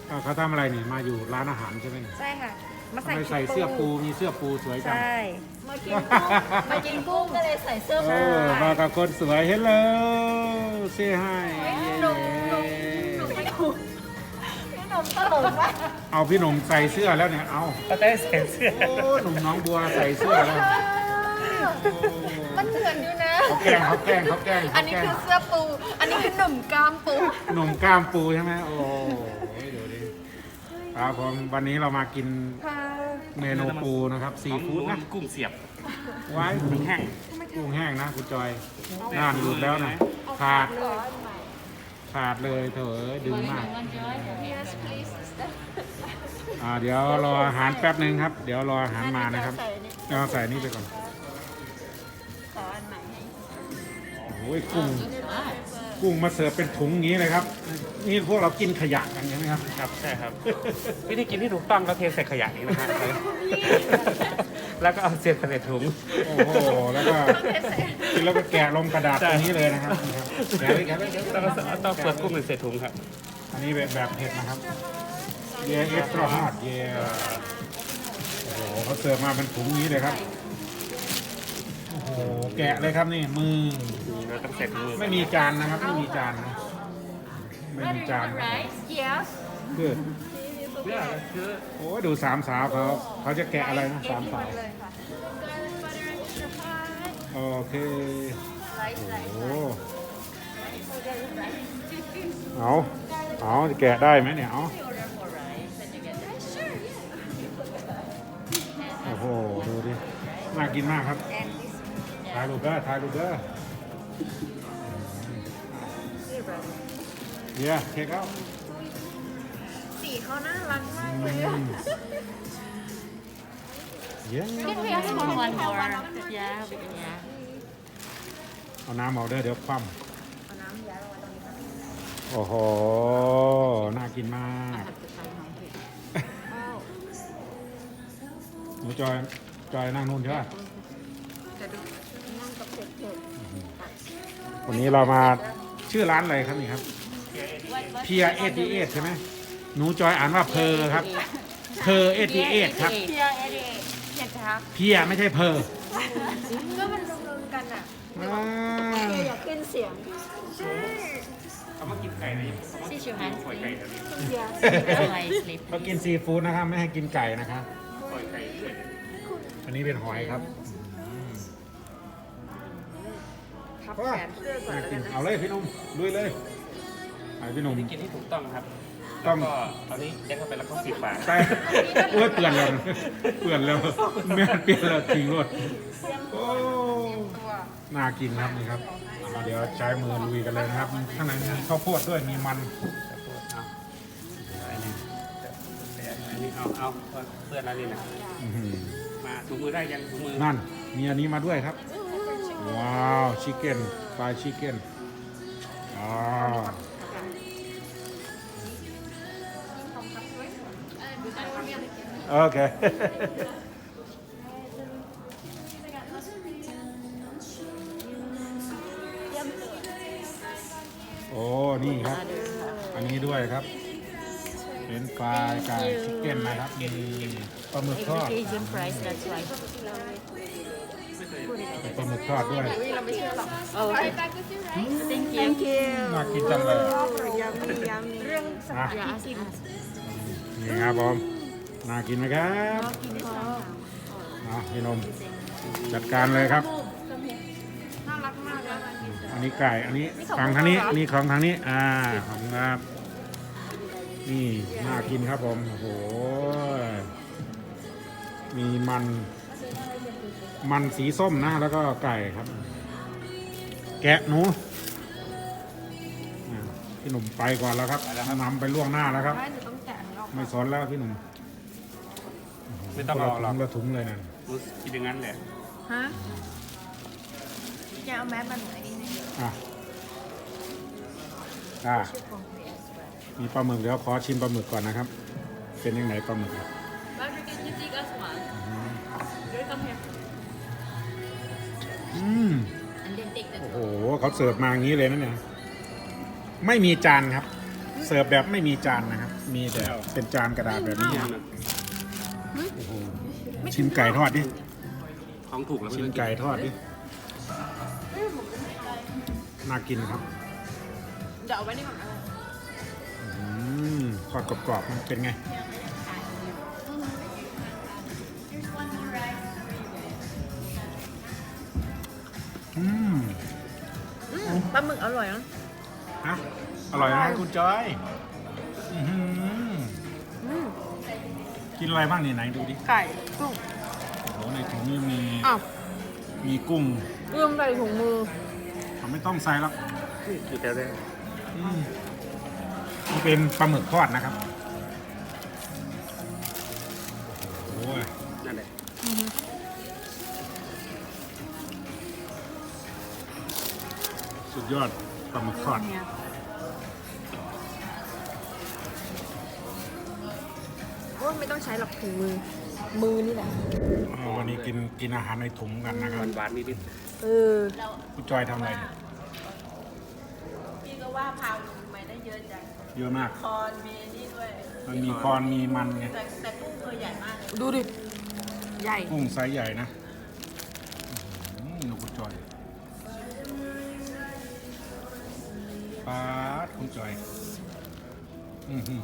เขาทำอะไรนี่มาอยู่ร้านอาหารใช่ไหมนี่ใช่ค่ะ มาใส่ทำไมใส่เสื้อปูมีเสื้อปูสวยจังใช่มากินกุ้งมากินกุ้งก็เลยใส่เสื้อเอผ้าอมากับคนสวยเฮลโลเซ่ให้พี่หนุ่มตลกมากเอาพี่หนุ่มใส่เสื้อแล้วเนี่ยเอาเขาได้ใส่เสื้อโอ้หนุ่มน้องบัวใส่เสื้อแล้วมันเหมือนอยู่นะเขาแกล้งเขาแกล้งเขาแกล้งอันนี้คือเสื้อปู อันนี้คือหนุ่มกล้ามปูหนุ่มกล้ามปูใช่ไหมโอ้ยดูดิครับผมวันนี้เรามากินเมนูปูนะครับซีฟู้ดนะกุ้งเสียบไว้กุ้งแห้งกุ้งแห้งนะคุณจอยน่านหลุดแล้วนะขาดเลยเถอะดึงมากเดี๋ยวรออาหารแป๊บหนึ่งครับ เดี๋ยวรออาหารมานะครับเราใส่นี่ไปก่อนขออันใหม่ให้โอ้ยกุ้งมาเสิร์ฟเป็นถุงอย่างนี้เลยครับ นี่พวกเรากินขยะกันใช่ไหมครับครับใช่ครับ วิธีกินที่ถูกต้องก็เทใส่ขยะนี้นะครับ แล้วก็เอาเศษใส่ถุงโอ้โหแล้วก็กินแล้วก็แกะลงกระดาษตรงนี้เลยนะครับแกะเลยแกะเลยแกะเลยแล้วก็ต้องเปิดกุ้งใส่ถุงครับอันนี้แบบเผ็ดนะครับเย่เอ็กซ์ตร้าฮอตเย่โอ้โหเขาเสิร์ฟมาเป็นถุงนี้เลยครับโอ้โหแกะเลยครับนี่มือเราต้องใส่ถุงมือไม่มีจานนะครับไม่มีจานนะไม่มีจาน yes คือเพื่อคือโอ้ยดูสามสาวเขาจะแกะอะไรนะสามสาวเลยค่ะโอเคโอ้เอาจะแกะได้ไหมเนี่ยเอาโอ้โหดูดิน่ากินมากครับถ่ายรูปเด้อถ่ายรูปเด้อเดี๋ยวเช็คเอาสีเขาน่ารักมากเลยอะเดี๋ยว Can we ask for one more? Yeah, we can, yeah. เอาน้ำเอาเด้อเดี๋ยวคว่ำโอ้โห น่ากินมาก หนูจอยนั่งนู่นใช่ไหมวันนี้เรามาชื่อร้านอะไรครับนี่ครับเพียเอทีเอใช่ไหมหนูจอยอ่านว่าเพอครับ เพอเอทีเอครับเพียเอเดเพียจ้าเพียไม่ใช่เพอก็มันรวมๆกันอ่ะอ่าเพียอยากขึ้นเสียงเขามากินไก่เลย This is your hand ปล่อย sleep. ไก่แบบนี้เพีย Oh, I sleep. เขากินซีฟู้ดนะครับ ไม่ให้กินไก่นะครับปล่อยไก่ด้วยอันนี้เป็นหอยครับทับแขนเสื้อก่อนน่าแล้วกิกัน นนะเอาเลยพี่หนุ่มลุยเลยไปพี่หนุ่มวิธีกินที่ถูกต้องครับต้องแล้วก็เอานี้ยัดเข้าไปแล้วก็ปิดฝาใช่โอ้ยเปลี่ยนแล้วเปลี่ยนแล้วแม่เปลี่ยนแล้วทิ้งรถโอ้น่ากินครับนี่ครับเดี๋ยวใช้มือลุยกันเลยนะครับ ข้างในมีข้าวโพดด้วยมีมันอันนี้เอาเพื่อนอะไรนี่นะอื้อหือมาถุงมือได้ยังถุงมือนั่นมีอันนี้มาด้วยครับ ว้าวชิคเก้นฟรายชิคเก้นอ๋อโอเค โอ้ นี่ครับ อันนี้ด้วยครับ เป็นปลาไก่ชิคเก้นนะครับ มีปลาหมึกทอด Asian price, that's why. ปลาหมึกทอดด้วยเราไม่เชื่อหรอก Oh, okay. Thank you. น่ากินจังเลยยำเรื่องนะ Yeah, ask, ask. นี่ครับผมน่ากินไหมครับพี่นมจัดการเลยครับน่ารักมากเลยอันนี้ไก่ อันนี้ของทางนี้นี่ของทางนี้ ขอบคุณครับ นี่น่ากินครับผม โอ้โห มีมันสีส้มนะ แล้วก็ไก่ครับ แกะหนูพี่หนุ่มไปก่อนแล้วครับนำไปล่วงหน้าแล้วครับไม่หนูต้องแกะมันออกไม่สนแล้วพี่หนุ่มไม่ต้องรอหรอกละถุงเลยนั่นรู้คิดอย่างนั้นแหละฮะแกเอาแมสมาหน่อยนิดนึงมีปลาหมึกเดี๋ยวขอชิมปลาหมึกก่อนนะครับ เป็นยังไงปลาหมึกครับ You take us one. อืม And then take the โอ้โหเขาเสิร์ฟมาอย่างนี้เลยนะเนี่ย ไม่มีจานครับเสิร์ฟแบบไม่มีจานนะครับ มีแต่เป็นจานกระดาษแบบนี้ครับโอ้โหชิ้นไก่ทอดดิของถูกแล้วไม่ชิ้นต้องกินไก่ทอดดิน่ากินครับเดี๋ยวเอาไว้นี่ก่อนอืมทอดกรอบๆมันเป็นไงอืมปลาหมึกอร่อยนะฮะอร่อยนะคุณจอยอื้อหือกินอะไรบ้างนี่ไหนดูดิไก่กุ้งโอ้โหในถุงนี้มีอ้าวมีกุ้งเรื่องใส่ถุงมือไม่ต้องใส่หรอกอยู่แต่ได้อืมนี่เป็นปลาหมึกทอดนะครับโอ้ยนั่นแหละสุดยอดปลาหมึกทอดโอ้ไม่ต้องใช้หรอกถุงมือ มือนี่แหละวันนี้กินอาหารในถุงกันนะครับหวานๆนิดเออคุณจอยทำอะไรเนี่ยพี่ก็ว่าพาวลงไปได้เยอะจังเยอะมากคอนมีนี่ด้วยมันมีคอนมีมันไงแต่กุ้งตัวใหญ่มากเลยดูดิ ใหญ่กุ้งไซส์ใหญ่นะหนูคุณจอยปาดคุณจอยอื้อหือ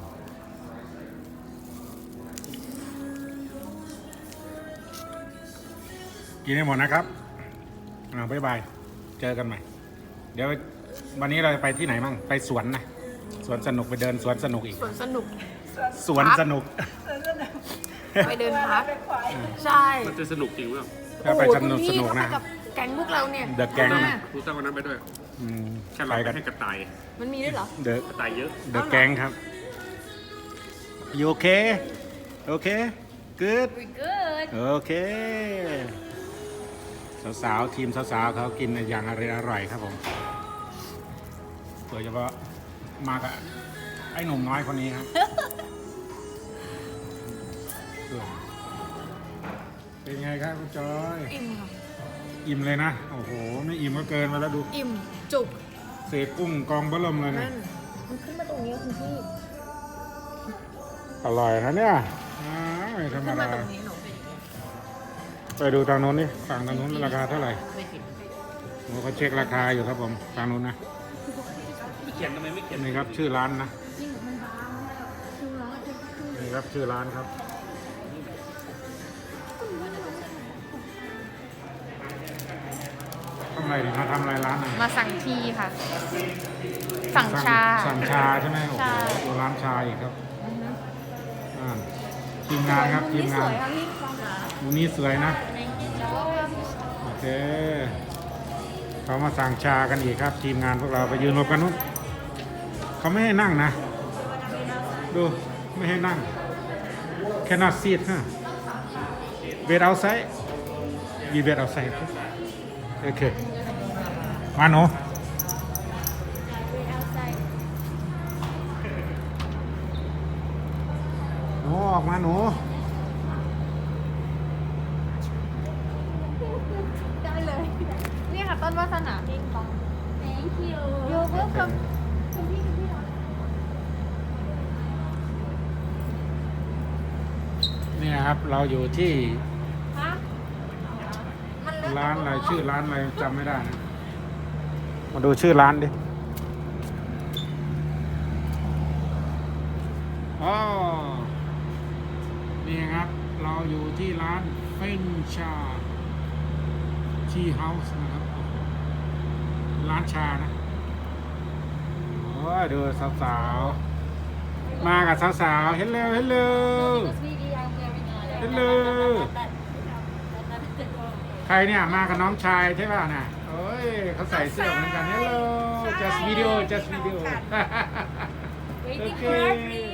กินให้หมดนะครับบ๊ายบาย เจอกันใหม่ เดี๋ยววันนี้เราจะไปที่ไหนมั่งไปสวนนะ สวนสนุกไปเดินสวนสนุกอีกสวนสนุกสวนสนุกไปเดินพัก ใช่ๆมันจะสนุกจริงมั้ยถ้าไปสนุกโอ้โหสนุกคุณพี่นะถ้าไปกับแก๊งพวกเราเนี่ย The Gang มานะครูตั้งวันนั้นไปด้วยอืมแค่ไปเรากันให้กระต่ายมันมีด้วยเหรอเดอะกระต่ายเยอะเดอะแก๊งครับ you okay okay good We're good. โอเค สาวๆทีมสาวๆเขากินอย่างอร่อยๆครับผมโดยเฉพาะมากับไอ้หนุ่มน้อยคนนี้ครับเป็นไงครับคุณจอยอิ่มค่ะอิ่มเลยนะ โอ้โห ไม่อิ่มก็เกินไปแล้วดูอิ่ม จุกเศษกุ้งกองเบะเริ่มเลยนะนั่น มันขึ้นมาตรงนี้คุณพี่อร่อยนะเนี่ยไม่ธรรมขึ้นมาดาตรงนี้หนูไปดูทางโน้นนี่ฝั่งทางโน้นราคาเท่าไหร่โอ้เขาเช็คราคาอยู่ครับผมทางโน้นนะไม่เขียนทำไมไม่เขียนนี่ครับชื่อร้านนะนี่ครับชื่อร้านครับทำอะไรดิมาทำอะไรร้านอ่ะมาสั่งทีค่ะ สั่งชาสั่งชาใช่ไหมโอ้ใช่โหร้านชาอีกครับทีมงานครับทีมงานมุมนี้สวยนะโอเคเขามาสั่งชากันอีกครับ ทีมงานพวกเราไปยืนรวมกันนู้นเขาไม่ให้นั่งนะ ดูไม่ให้นั่ง cannot sit ฮะ wait outside we wait outside โอเคมาหนูหนูออกมาหนูได้เลย นี่ค่ะต้นวาสนาพิงปอง Thank you. You're welcome คุณพี่เนี่ยครับเราอยู่ที่ฮะมันเลิศร้านอะไรชื่อร้านอะไรจำไม่ได้นะมาดูชื่อร้านดิอ๋อนี่ครับเราอยู่ที่ร้านเฟนชาทีเฮาส์นะครับร้านชานะโอ้ยดูสาวๆมากับสาวๆเฮลโลเฮลโลเฮลโลใครเนี่ยมากับน้องชายใช่ป่ะน่ะโอ้ยเขาใส่เสื้อเหมือนกัน Hello just video just video โอเค